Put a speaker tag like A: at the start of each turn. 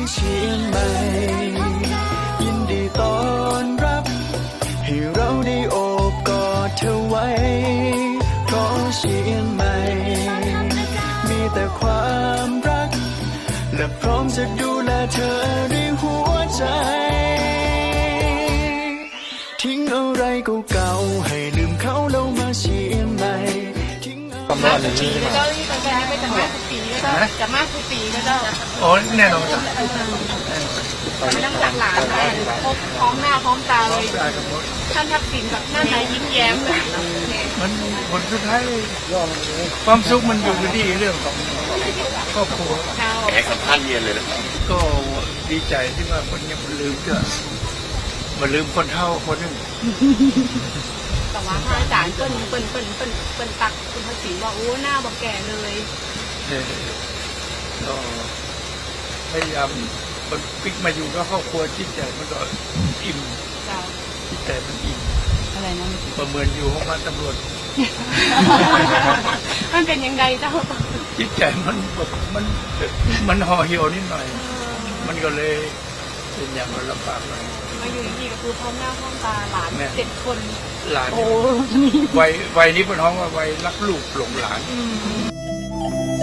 A: เชียงใหม่ยินดีต้อนรับให้เราได้โอบกอดเธอไว้เพราะเชียงใหม่มีแต่ความรักและพร้อมจะดูแลเธอด้วยหัวใจทิ้งอะไรเก่าๆให้ลืมเขาแล้วมาเชียงใหม่
B: ความร้อนอย่างนี้แล้วก็ที่ไปไปจะมาทุกปีแล้วก็จะมาทุกปีแล้วก็
C: โอ้แน่นอนจ้ะ
B: ไม่ต้องจากหลานไปพบพร้อมหน้าพร้อมตาเลยท่านทักษิณกับหน้าไหนยิ้มแย้ม
C: มันผลสุดท้ายความสุขมันอยู่ที่เรื่องของครอบครัว
D: แขกกับท่านเย็นเลยนะ
C: ก็ดีใจที่ว่าคนยังไม่ลืมก็มาลืมคนเฒ่าคนนึง
B: แต่ว่าพระอาจารย์เปิ้นตักคุณทักษิณบอกโอ้หน้าบอกแก่เลย
C: ก็พยายามมันปิกมาอยู่ก็ครอบครัวจิตใจมันก็อิ่มจิตใจมันอิ่ม
B: อะไรนะ
C: ประเมินอยู่ห้องมันตำรวจ
B: มันเป็นยังไงเจ้า
C: จิตใจมันห่อเหี่ยวนิดหน่อยมันก็เลยเป็นอย่างลำบากหน่อย
B: มาอยู่ที่ก็คือพร้อมหน้าพร้อมตาหลาน7 คน
C: หลานวัยนี้เป็นห้องว่าวัยรักลูกหลงหลาน